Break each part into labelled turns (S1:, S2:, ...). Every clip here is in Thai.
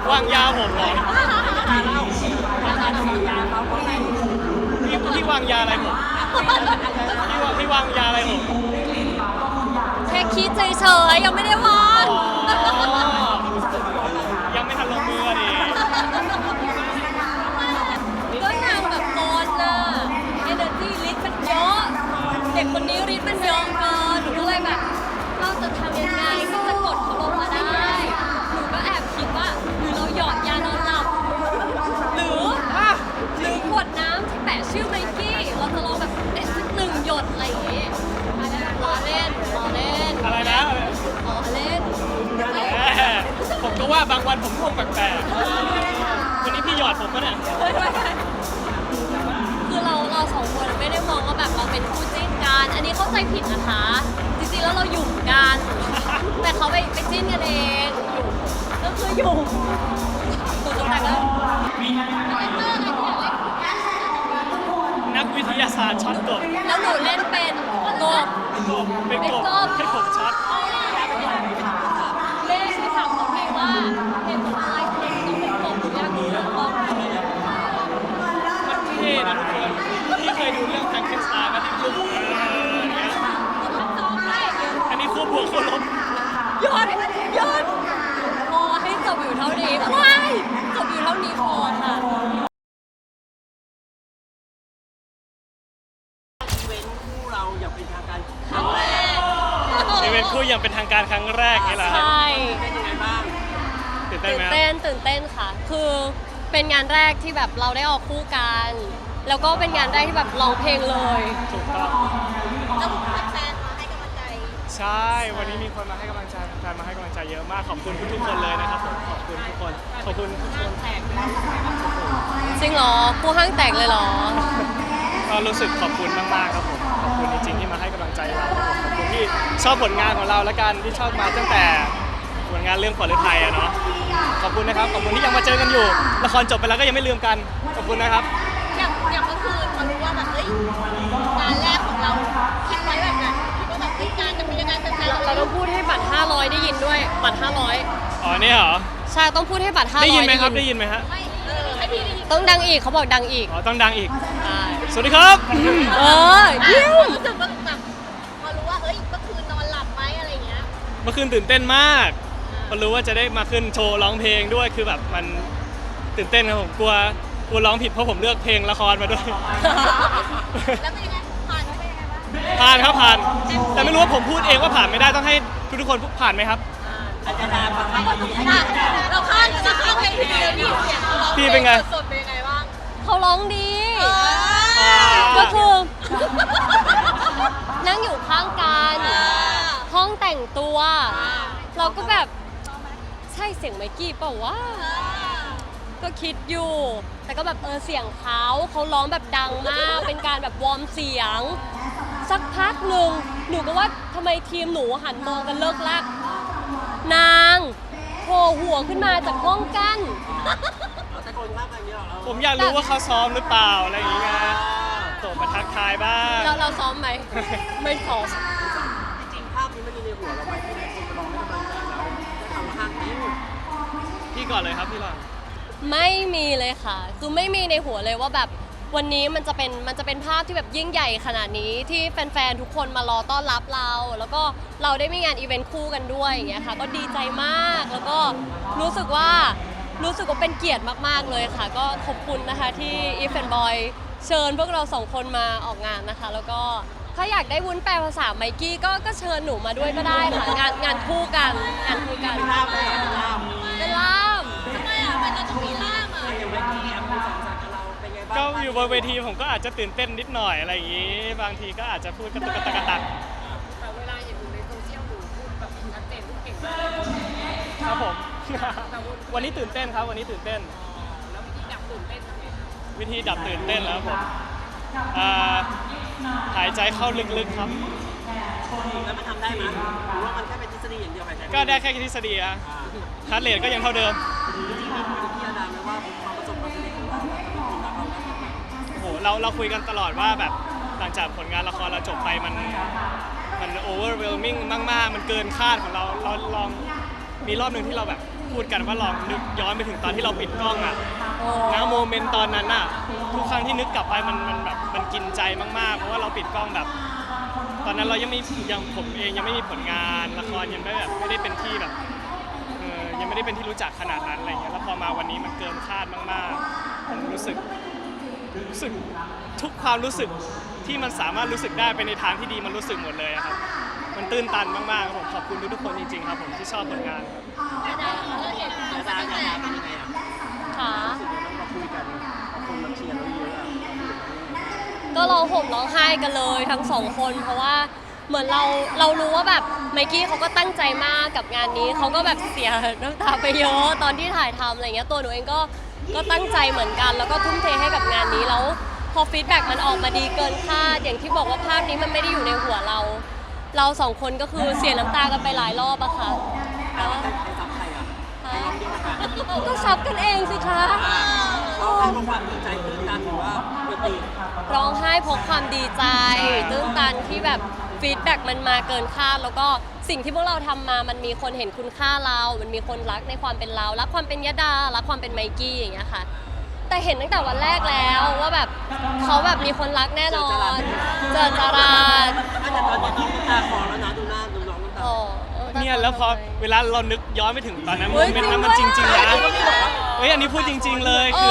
S1: วางยาผมเหรอพี่วางยาอะไรผมพี่วางยาอะไรผม
S2: แค่คิดเฉยๆยังไม่ได้วาง
S1: ยังไม่ทันลงมือดิ
S2: ก็นางแบบโกนน่ะ energy ฤทธิ์มันเยอะเด็กคนนี้ฤทธิ์มันเยอะเกินหนูก็เลยแบบเราจะทำยังไงที่จะกดเขาลงมาได้หนูก็แอบคิดว่าหรือเราหยอดยานอนหลับหรือขวดน้ำที่แปะชื่อไมกี้เราจะลองแบบเด็ดสัก1 หยดอะไรอย่างงี้ล้อเล่น
S1: อะไรนะ
S2: ล้อเล่น
S1: ผมก็ว่าบางวันผมง่วงแปลกๆวันนี้พี่หยอดผมปะเนี่ย
S2: คือเราสองคนไม่ได้มองว่าแบบเราเป็นคู่จิ้นกันอันนี้เข้าใจผิดนะคะจริงๆแล้วเราหยุ่มกันแต่เขาไปจิ้นกันเองก็คือหยุ่มแต่ก็
S1: นักวิทยาศาสตร์ช็อตกบ
S2: แล้วหนูเล่นเป็นกบ
S1: เป็นกบให้ผมช็อต
S2: เล่นไปถามเขาเองว่าเป็นตัวอะไรต้องเป็นกบหรืออยากดูเรื่องกบ
S1: มันเท่นะทุกคนที่เคยดูเรื่องแฟรงเกนสไตน์มาที่คู่อันนี้คู่บวกคู่ลบ
S2: หยุดพอให้จบอยู่เท่านี้ว้ายจบอยู่เท่านี้พอค่ะ
S1: อีเวนต์คู่อย่างเป็นทางการครั้งแรกนี่แหละ
S2: ใช่
S1: เป็นยังไงบ้างตื่นเต้นไหม
S2: ตื่นเต้นค่ะคือเป็นงานแรกที่แบบเราได้ออกคู่กันแล้วก็เป็นงานแรกที่แบบร้องเพลงเลย
S1: ถูกต้อง
S2: แล้วแฟนมาให้กำลังใจ
S1: ใช่วันนี้มีคนมาให้กำลังใจแฟนมาให้กำลังใจเยอะมากขอบคุณทุกคนเลยนะครับผมขอบคุณทุกคนขอบคุณทุกคน
S2: จริงเหรอคู่ห้างแตกเลยเหรอ
S1: ก็รู้สึกขอบคุณมากๆครับผมขอบคุณจริงๆที่มาให้กำลังใจเราครับผมขอบคุณที่ชอบผลงานของเราและกันที่ชอบมาตั้งแต่ผลงานเรื่องขวัญฤทัยอะเนาะขอบคุณนะครับขอบคุณที่ยังมาเจอกันอยู่ละครจบไปแล้วก็ยังไม่ลืมกันขอบคุณนะครับ
S2: อย่างเมื่อคืนมารู้ว่าแบบเฮ้ยงานแรกของเราคิดไว้แบบไหนคิดว่าแบบเฮ้ยงานจะเป็นยังไงเป็นเราต้องพูดให้บัตร500ได้ยินด้วยบัตร500
S1: อ๋อนี่เหรอ
S2: ใช่ต้องพูดให้บัตร500
S1: ได้ยินไหมครับได้ยินไหมฮะ
S2: ให้พี่ได้ยินต้องดังอีกเขาบอกดังอีก
S1: อ๋อต้องดังอีกสวัสดีครับ
S2: เยี่ยมรู้สึกแบบพอรู้ว่าเฮ้ยเมื่อคืนนอนหลับไหมอะไรเงี้ย
S1: เมื่อคืนตื่นเต้นมากพอรู้ว่าจะได้มาขึ้นโชว์ร้องเพลงด้วยคือแบบมันตื่นเต้นครับผมกลัวร้องผิดเพราะผมเลือกเพลงละครมาด้วย
S2: แล้วเป็นยังไงผ่านไปยังไงบ้าง
S1: ผ่านครับผ่านแต่ไม่รู้ว่าผมพูดเองว่าผ่านไม่ได้ต้องให้ทุกคนผ่านไหมครับ
S2: อาจารย์เราข้างเพลงพี่เลยพี่เสียงเขาร้อง
S1: พี่เป็นไง
S2: สดเป็นยังไงบ้างเขาร้องดีก็คือ นั่งอยู่ข้างกันห้องแต่งตัวเราก็แบบใช่เสียงไมกี้เปล่าวะก็คิดอยู่แต่ก็แบบเสียงเขาร้องแบบดังมากเป็นการแบบวอร์มเสียงสักพักหนึ่งหนูก็ว่าทำไมทีมหนูหันมองกันเลิกลักนางโผล่หัวขึ้นมาจากห้องกั้น
S1: ผมอยากรู้ว่าเขาซ้อมหรือเปล่าอะไรอย่างเงี้ยส่งมาทักทายบ้าง
S2: เราซ้อมไหมไม่ซ้อม
S3: จริงภาพนี้มันมีในหัวเราไหมที่มีคนมาลองให้กำลังใจเราได้ทำห้างนี้
S1: พี่ก่อนเลยครับพี่หลัง
S2: ไม่มีเลยค่ะคือไม่มีในหัวเลยว่าแบบวันนี้มันจะเป็นภาพที่แบบยิ่งใหญ่ขนาดนี้ที่แฟนๆทุกคนมารอต้อนรับเราแล้วก็เราได้มีงานอีเวนต์คู่กันด้วยอย่างเงี้ยค่ะก็ดีใจมากแล้วก็รู้สึกว่าเป็นเกียรติมากๆเลยค่ะก็ขอบคุณนะคะที่อีฟแอนด์บอยเชิญพวกเรา2 คนมาออกงานนะคะแล้วก็ถ้าอยากได้วุ้นแปลภาษาไมกี้ก็เชิญหนูมาด้วยก็ได้ค่ะงานคู่กันเป็นล่ามทำไมอ่ะมันจะต้องมีล่ามอ่ะ
S1: ก็อยู่บนเวทีผมก็อาจจะตื่นเต้นนิดหน่อยอะไรอย่างงี้บางทีก็อาจจะพูดกระตุกกระตัก
S3: แต่เวลาอยู่ในโซเชียลหนูพูดแบบชัดเจนทุกเก่งมาก
S1: ครับผมวันนี้ตื่นเต้นครับวันนี้ตื่นเต้น
S3: แล้ววิธีดับตื่นเต้นทำไง
S1: วิธีดับตื่นเต้นแล้วผมหายใจเข้าลึกๆครับ
S3: แล้วมันทำได้ไหมหรือว่ามันแค่เป็นทฤษฎีอย่างเดียวหายใจ
S1: ก็ได้แค่ทฤษฎีอะฮาร์ทเรทก็ยังเท่าเดิม
S3: จริงๆมีพี่อาดามไหมว่าความประสบความสำเร็จของเรา
S1: โอ้โหเราคุยกันตลอดว่าแบบหลังจากผลงานละครเราจบไปมัน overwhelming มากๆมันเกินคาดของเราลองมีรอบหนึ่งที่เราแบบพูดกันว่าลองนึกย้อนไปถึงตอนที่เราปิดกล้องอ่ะ
S2: โอ้
S1: นะโมเมนต์ตอนนั้นอ่ะทุกครั้งที่นึกกลับไปมันแบบมันกินใจมากๆเพราะว่าเราปิดกล้องแบบ ตอนนั้นเรายังผมเองยังไม่มีผลงานละครยังไม่ได้เป็นที่แบบยังไม่ได้เป็นที่รู้จักขนาดนั้นอะไรเงี้ยแล้วพอมาวันนี้มันเกินคาดมากๆผมรู้สึกทุกความรู้สึกที่มันสามารถรู้สึกได้ไปในทางที่ดีมันรู้สึกหมดเลยอะครับมันตื้นตันมากๆครับผมขอบคุณทุกๆคนจริงๆครับผมที่ชอบผลงานครับ
S3: ดาเป็นยังไงอ่ะ
S2: ค่ะ
S3: รู้สึกยังไงต้องมาคุยกันคนมาเชียร์เราเยอะอ่ะ
S2: ก็ร้องห่มร้องไห้กันเลยทั้งสองคนเพราะว่าเหมือนเรารู้ว่าแบบไมกี้เขาก็ตั้งใจมากกับงานนี้เขาก็แบบเสียน้ำตาไปเยอะตอนที่ถ่ายทำอะไรเงี้ยตัวหนูเองก็ตั้งใจเหมือนกันแล้วก็ทุ่มเทให้กับงานนี้แล้วพอฟีดแบ็กมันออกมาดีเกินคาดอย่างที่บอกว่าภาพนี้มันไม่ได้อยู่ในหัวเราสองคนก็คือเสียน้ำตากันไปหลายรอบอะค่ะ
S3: แต่ว่าใครซับใครอ่ะใครร้องเยอะกัน
S2: ก็ซับกันเองสิคะ
S3: ร้องให้เพราะความดีใจตื้นตันหรือว่าปกติ
S2: ร้องไห้เพราะความดีใจตื้นตันที่แบบฟีดแบ็กมันมาเกินคาดแล้วก็สิ่งที่พวกเราทำมามันมีคนเห็นคุณค่าเรา มันมีคนรักในความเป็นเรารักความเป็นยดารักความเป็นไมกี้อย่างเงี้ยค่ะแต่เห็นตั้งแต่วันแรกแล้วว่าแบบเขาแบบมีคนรักแน่นอนเจอจารา
S3: แต่ตอนนี้น้องน้ำตาคลอแล้วนะดูหน้าดูน้องน้ำตา
S2: โอ้
S1: เนี่ยแล้วพอเวลาเรานึกย้อนไปถึงตอนนั้นโม
S2: เฮ้ย
S1: เมนต์นั้นมันจ
S2: จริ
S1: ริ
S2: ง
S1: ง
S2: ด้วย
S1: ๆนะ
S2: อะ
S1: เฮ้ยอันนี้พูดจริง ๆ เลย
S2: โอ้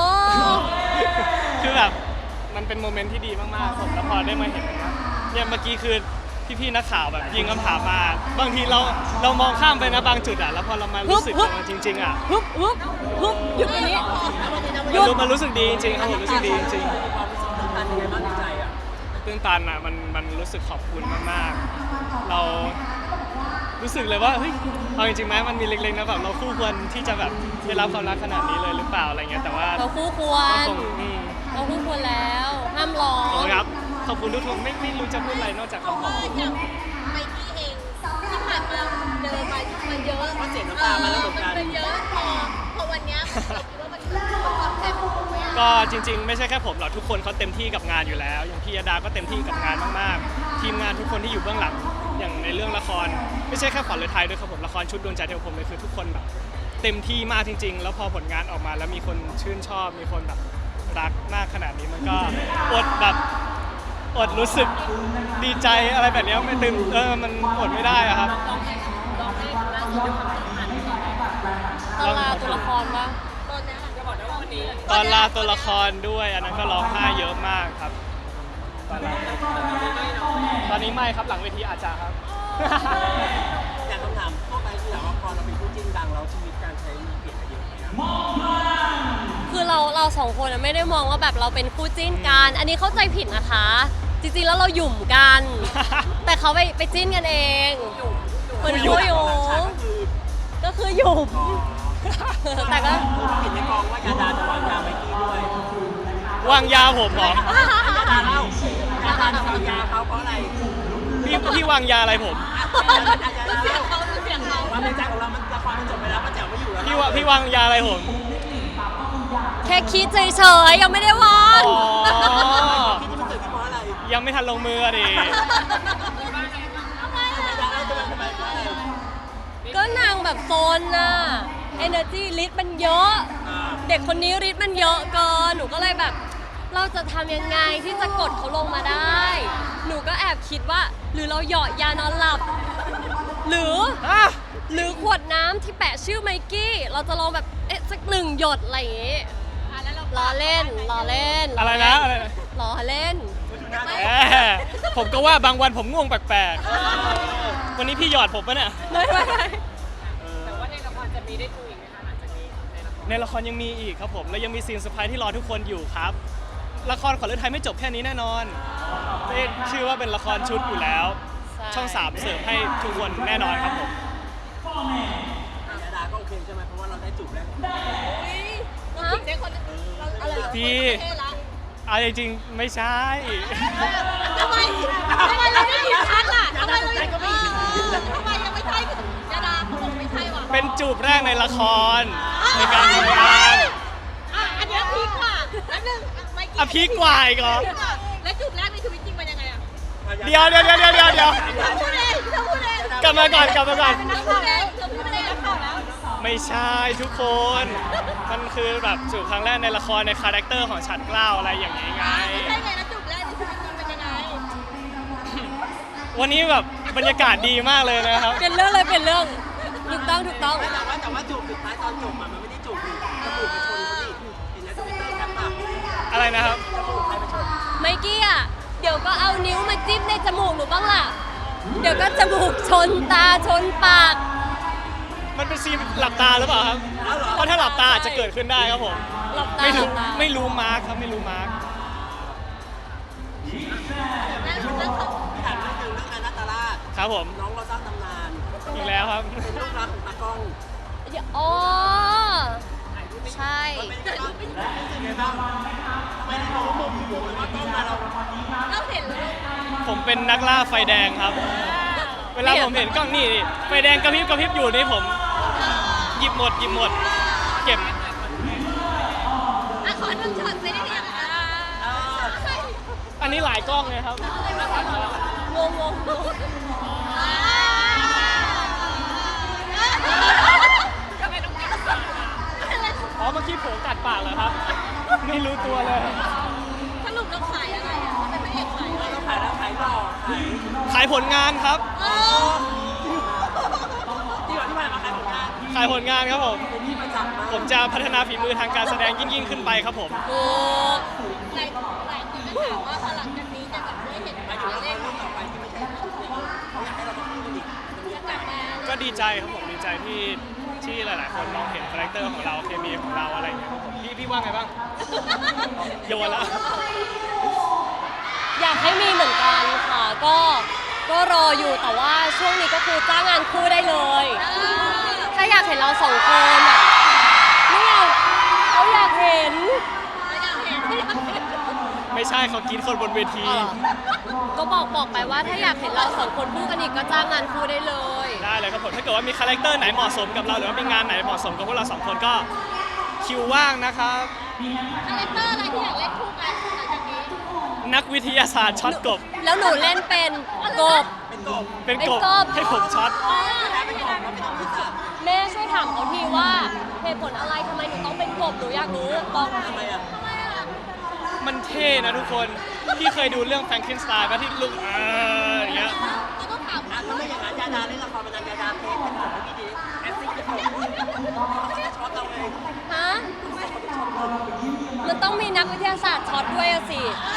S1: คือแบบมันเป็นโมเมนต์ที่ดีมากๆผมแล้วพอได้มาเห็นเนี่ยเมื่อกี้คือพี่ๆนักข่าวแบบยิงคำถามมาบางทีเรามองข้ามไปนะบางจุดอ่ะแล้วพอเรามารู้สึกกับมันจริงๆอ่ะ
S2: ฮึบฮึบฮึบหยุดอันนี้
S1: มันรู้สึกดีจริงๆครับผมรู้สึกดีจริง
S3: ความรู้สึกตื้นตันยังไงบ้างในใจอ่ะ
S1: ๆตื้นตันอ่ะมันรู้สึกขอบคุณมากๆ เรารู้สึกเลยว่าเฮ้ยเอาจริงๆไหมมันมีเล็กๆนะแบบเราคู่ควรที่จะแบบได้รับความรักขนาดนี้เลยหรือเปล่าอะไรเงี้ยแต่ว่า
S2: เราคู่ควร
S1: คง
S2: เราคู่ควรแล้วห้ามร้อ
S1: ขอบ
S2: ง
S1: คุณครับขอบคุณทุกคนไม่รู้จะพูดอะไรนอกจากคำขอบคุณ
S4: อย่างไมกี้เองที่ผ่านมาเดินมาเยอะ
S3: เพราะเสียน้ำตามาแล้วเหมือนกัน
S4: มันเยอะพอวันเนี้ยเราคิดว่ามันความเต็มไหมอะ
S1: ก็จริงๆ ไม่ใช่แค่ผมหรอกทุกคนเขาเต็มที่กับงานอยู่แล้ว อย่างพี่ยดาก็เต็มที่กับงานมากๆ ทีมงานทุกคนที่อยู่เบื้องหลังอย่างในเรื่องละคร ไม่ใช่แค่ขวัญฤทัยด้วยครับผมละครชุดดวงใจเทวพรหมเลยคือทุกคนแบบเต็มที่มากจริง ๆ แล้วพอผลงานออกมาแล้วมีคนชื่นชอบมีคนแบบรักมากขนาดนี้มันก็อดรู้สึกดีใจอะไรแบบเนี้ยไม่ตื่นมันอดไม่ได้อะครับ
S2: ตอนลาตัวละครปะ
S4: ตอนเนี้ย
S1: ตอนลาตัวละครด้วยอันนั้นก็ร้องไห้เยอะมากครับตอนนี้ไม่ครับหลังเวทีอาจจะครับ
S3: อย่างคำถามทั่วไปคือถามว่าพอเราเป็นคู่จิ้นดังแล้วชีวิตการใช้เปลี่ยนไปเยอะไหมครับ
S2: คือเราสองคนไม่ได้มองว่าแบบเราเป็นคู่จิ้นกัน อันนี้เข้าใจผิดนะคะ จริงๆแล้วเราหยุ่มกัน แต่เขาไปจิ้นกันเองเหมือนคู่อยู่ ก็คือหยุ่ม แต่ก็
S3: เห็นในกองว่ายาดาจะวางยาไมกี้ด้วย
S1: วางยาผมเหรอ
S3: ยาดาเล่ายาดาจะวางยาเขาเพราะอะไร
S1: พี่วางยาอะไรผม
S4: เสียงเขาเสียงเขา
S3: ความในใจของเรามันละครมันจบไปแล้วมันแจ๋วไม่อยู่แล้ว
S1: พี่วางยาอะไรผม
S2: แค่คิดเฉยๆยังไม่ได้วาง
S1: อ๋อ
S3: ที่มันเกิดขึ้นเพราะอะไร
S1: ยังไม่ทันลงมืออะดิ
S3: ยาดาเล่าจะมันทำไมเพราะอะไร
S2: ก็นางแบบโซนน่ะ energy ฤทธิ์มันเยอะ เด็กคนนี้ฤทธิ์มันเยอะเกิน หนูก็เลยแบบ เราจะทำยังไงที่จะกดเขาลงมาได้ หนูก็แอบคิดว่า หรือเราเหยาะยานอนหลับ หรือขวดน้ำที่แปะชื่อไมกี้ เราจะลองแบบสักหนึ่งหยดอะไรอย่างงี้ล้อเล่น
S1: อะไรนะอะไรนะ
S2: ล้อเล่น
S1: แหมผมก็ว่าบางวันผมง่วงแปลกๆ วันนี้พี่หยอดผมปะเนี่ย
S2: ไม่
S3: แต่ว่าในละครจะมีได้ดูอีกไหมคะหลังจากนี้
S1: ในละครยังมีอีกครับผม และยังมีซีนเซอร์ไพรส์ที่รอทุกคนอยู่ครับ ละครขวัญฤทัยไม่จบแค่นี้แน่นอนชื่อว่าเป็นละครชุดอยู่แล้ว ช่อง 3 เสิร์ฟให้ทุกคนแน่นอนครับผม
S3: ยาดาก็โอเคใช่ไหมเพราะว่าเราได้จูบแล้ว
S4: เราถึงได้คนอะไร
S1: พี่ เอาจริงๆไม่ใช่
S4: ทำไมเราได้ยินชัดล่ะทำไมเรายังไม่ใช่ยาดาเขาบอกไม่ใช่ว่ะ
S1: เป็นจูบแรกในละครในการทำงาน
S4: อันนี้พีคกว่าแล้วนึง
S1: อ่ะพีคกว่าอีกเหรอ
S4: แล้วจุดแรกในชีวิตจริงเป็นยังไงอะ
S1: เดี๋ยว
S4: เธอพูดเอง
S1: กลับมาก่อน
S4: เธอพูดเองนักข่าวแล้ว
S1: ไม่ใช่ทุกคน มันคือแบบจูบครั้งแรกในละครในคาแรคเตอร์ของฉัดเกล้าอะไรอย่างนี้ไง
S4: ไม่ใช่ไงแล้วจุกแรกที่ชีวิตจริงเป็นยังไง
S1: วันนี้แบบบรรยากาศดีมากเลยนะครับ
S2: เปลี่ยนเรื่องเลยเปลี่ยนเรื่องถูกต้องถูกต้อง
S3: แต่ว่าจูบสุดท้ายตอนจบมันไม่ได้จูบจมูกไปชนเขาดิเห็นแล้วจะเป็นเตอร์แคปปาก
S1: อะไรนะครับ
S3: จมูกใครไปชน
S2: ไมกี้อ่ะเดี๋ยวก็เอานิ้วมาจิ้มในจมูกหนูบ้างล่ะ เดี๋ยวก็จมูกชนตาชนปาก
S1: มันเป็นซีนหลับตาหรือเปล่าครับ เพราะถ้าหลับตาอาจจะเกิดขึ้นได้ครับผม
S2: หลับตา
S1: ไม่รู้
S2: หลับตา
S1: ไม่รู้มาร์คครับไม่รู้มาร์ค
S4: แล้วเขา
S3: พี่ถามเรื่องหนึ่งเรื่องนาตาลาด
S1: ครับผม
S3: น้องเราสร้างตำนาน
S1: อีกแล้วครับ
S3: เป็นลูกรักของตากล้อง
S2: อ๋อใช่
S3: มันเป็นยังไงบ้างรู้สึกไงบ้างทำไมเราโมโหหรือว่ากล้องมาเรา
S4: เราเห็นเลย
S1: ผมเป็นนักล่าไฟแดงครับ เวลาผมเห็นกล้องนี่ไฟแดงกระพริบกระพริบอยู่นี่ผมหยิบหมดเก็บ
S4: อ่ะขอหนึ่งช็อตไปได้ยังอ่ะ
S1: อันนี้หลายกล้องเลยครับ
S2: งง
S1: อ๋อเมื่อกี้ผมกัดปากเหรอครับ ไม่รู้ตัวเลย
S4: สรุปเราขายอะไรอ่ะเราเป็นพระเอกขายอะไร
S3: เราขายแล้วขายหล่อขาย
S1: ขายผลงานครับ
S4: เออ
S3: ที่ก่อนที่ผ่านมาขายผลงาน
S1: ขายผลงานครับผม
S3: เป็นที่ประจักษ์มาก
S1: ผมจะพัฒนาฝีมือทางการแสดงยิ่งขึ้นไปครับผม
S2: ถูก
S4: หลายคนก็ถามว่าพอหลังจากนี้จะแบบได้เห็น
S3: หมายถึงว่าเรื่องต่อไปที่ไม่ใช่เขาอยากให้เรามาคู่กันอีก
S4: จะกลับมา
S1: ก็ดีใจครับผมดีใจที่หลาย ๆ คนมองเห็นคาแรคเตอร์ของเราเคมีของเราอะไรอย่างเงี้ยครับผมพี่ว่าไงบ้างโยนละ
S2: อยากให้มีเหมือนกันค่ะ ก็รออยู่แต่ว่าช่วงนี้ก็คือจ้างงานคู่ได้เลย ถ้าอยากเห็นเราสองคนอ่ะเนี่ยเขาอยากเห็น
S1: ไม่ใช่เขากินคนบนเวที
S2: ก็บอกไปว่าถ้าอยากเห็นเราสองคนคู่กันอีกก็จ้างงานคู่ได้เลย
S1: ได้เลยครับผมถ้าเกิดว่ามีคาแรคเตอร์ไหนเหมาะสมกับเราหรือว่ามีงานไหนเหมาะสมกับพวกเราสองคนก็คิวว่างนะครับ
S4: คาแรคเตอร์อะไรที่อยากเล่นคู่กันหลังจากนี้
S1: นักวิทยาศาสตร์ช็อตกบ
S2: แล้วหนูเล่นเป็นกบ
S3: เป็นกบ
S1: เป็นกบ
S2: เป็นกบ
S1: ให้ผมช็อต
S3: เป็นกบแล้วเป็นกบที่สาม
S2: แม่ช่วยถามเขาทีว่าเหตุผลอะไรทำไมหนูต้องเป็นกบหนูอยากรู้บอก
S3: ทำไมอ่ะ
S1: มันเท่นะทุกคนที่เคยดูเรื่องแฟรงเกนสไตน์ป่ะที่ลุกอย่างเงี้ย
S4: เราต้องถาม
S3: ถ้าไม่อย่างนั้นยาดาเล่นละครเป็นยาดาเทสเป็นกบให้พี่ดีแอคติ้งเป็นกบเขาจะช็อตเราเอง
S2: ฮะมันต้องมีนักวิทยาศาสตร์ช็อตด้วยอะสิ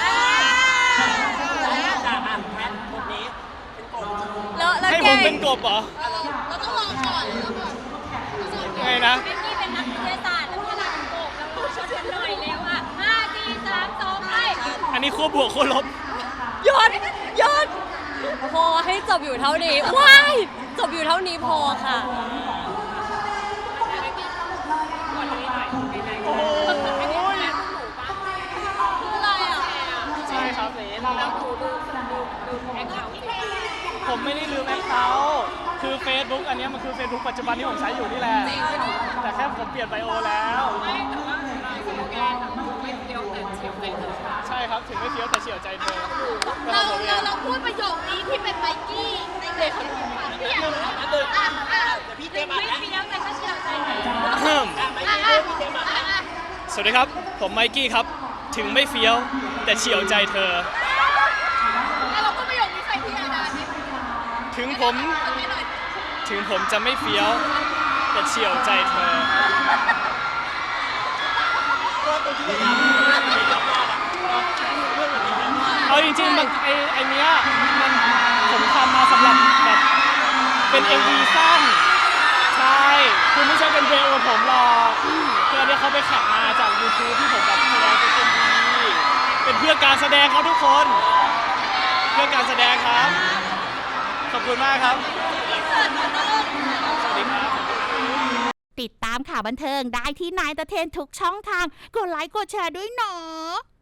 S3: จากอ่านแพทบทนี้เป็นกบ
S2: แล้ว
S1: ให้
S2: แก
S1: ผมเป็นกบเหรอ
S4: เราต้องลองก่อนแล้วก่อน
S1: ไงนะ
S4: เบกกี้เป็นนักวิทยาศาสตร์แล้วพี่ดาเป็นโกบแล้วพูดชดกันหน่อยเร็วอ่ะ5 4 3 2ไป
S1: อันนี้ขั้วบวกขั้วลบ
S2: หยุดพอให้จบอยู่เท่านี้ว้ายจบอยู่เท่านี้พอค่ะ
S1: โอ้โห
S4: คืออะไรอ่ะ
S1: ใช่ครับผมไม่ได้ลืมแอคเคาท์คือ Facebook อันเนี้ยมันคือ Facebook ปัจจุบันที่ผมใช้อยู่นี่แหละ แต่แค่ผมเปลี่ยนไบโอแล้ว ใช่ครับถึงไม่เฟี้ยวแต่เฉียวใจเธอ
S4: เราพูดประโยคนี้ที่เป็นไมกี้ในเพจของพี่อยากรู้ว่าเดี๋ยวพี่เต็มไม่เฟี้ยวแต่ก็เชียวใจหน่อย
S1: สวัสดีครับ ผมไมกี้ครับ ถึงไม่เฟี้ยวแต่เฉียวใจเธอ
S4: แล้วเราพูดประโยคนี้ใส่พี่อาดาดิ
S1: ถึงผมจะไม่เฟี้ยวแต่เฉียวใจเธอ เอาจริงๆมันไอเนี้ยมันผมทำมาสำหรับแบบเป็น MV สั้น ใช่คือไม่ใช่เป็นเพลงของผมหรอกคืออันเนี้ยเขาไปแข่งมาจาก YouTube ที่ผมแบบแสดงเป็น MV เป็นเพื่อการแสดงครับทุกคน เพื่อการแสดงครับ ขอบคุณมากครับ สวัสดีครับ
S5: ติดตามข่าวบันเทิงได้ที่นายตะเทนทุกช่องทาง กดไลค์กดแชร์ด้วยเนาะ